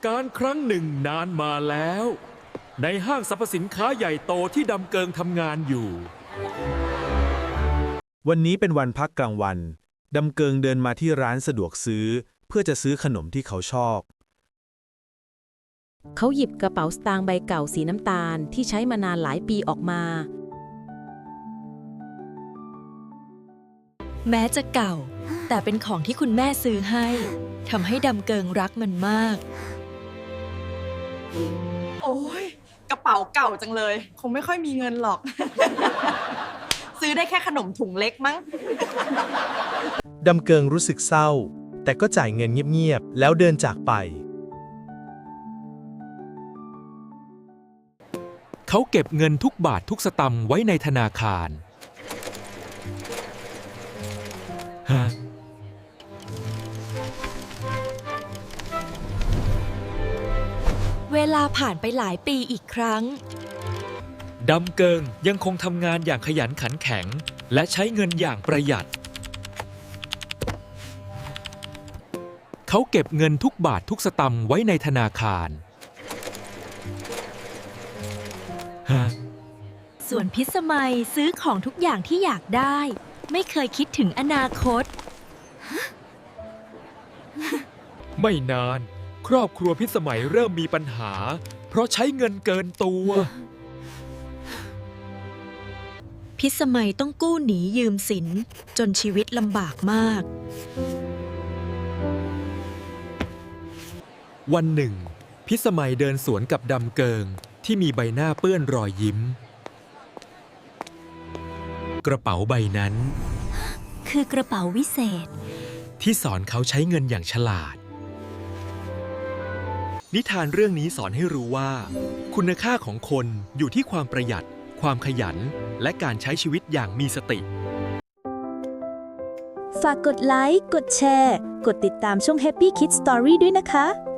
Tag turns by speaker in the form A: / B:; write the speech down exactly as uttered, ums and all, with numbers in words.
A: การครั้งหนึ่งนานมาแล้ว ในห้างสรรพสินค้าใหญ่โตที่ดำเกิงทำงานอยู่
B: วันนี้เป็นวันพักกลางวัน ดำเกิงเดินมาที่ร้านสะดวกซื้อ เพื่อจะซื้อขนมที่เขาชอบ
C: เขาหยิบกระเป๋าสตางค์ใบเก่าสีน้ำตาลที่ใช้มานานหลายปีออกมา
D: แม้จะเก่า แต่เป็นของที่คุณแม่ซื้อให้ทำให้ดำเกิงรักมันมาก
E: โอ้ยกระเป๋าเก่าจังเลย คงไม่ค่อยมีเงินหรอก ซื้อได้แค่ขนมถุงเล็กมั้ง
F: ดำเกิงรู้สึกเศร้า แต่ก็จ่ายเงินเงียบๆ แล้วเดินจากไป
A: เขาเก็บเงินทุกบาททุกสตางค์ไว้ในธนาคารฮะ
D: เวลาผ่านไปหลายปีอีกครั้ง
A: ดำเกิงยังคงทำงานอย่างขยันขันแข็ง และใช้เงินอย่างประหยัด เขาเก็บเงินทุกบาททุกสตางค์ไว้ในธนาคารฮะ
D: ส่วนพิสมัยซื้อของทุกอย่างที่อยากได้ ไม่เคยคิดถึงอนาคต
A: ไม่นาน ครอบครัวพิสมัยเริ่มมีปัญหา เพราะใช้เงินเกินตัว
D: พิสมัยต้องกู้หนียืมสินจนชีวิตลำบากมาก
A: วันหนึ่ง พิสมัยเดินสวนกับดำเกิงที่มีใบหน้าเปื้อนรอยยิ้ม กระเป๋าใบนั้น
D: คือกระเป๋าวิเศษ
A: ที่สอนเขาใช้เงินอย่างฉลาด นิทานเรื่องนี้สอนให้รู้ว่า คุณค่าของคนอยู่ที่ความประหยัด ความขยัน และการใช้ชีวิตอย่างมีสติ
G: ฝากกดไลค์ กดแชร์ กดติดตามช่อง Happy Kids Story ด้วยนะคะ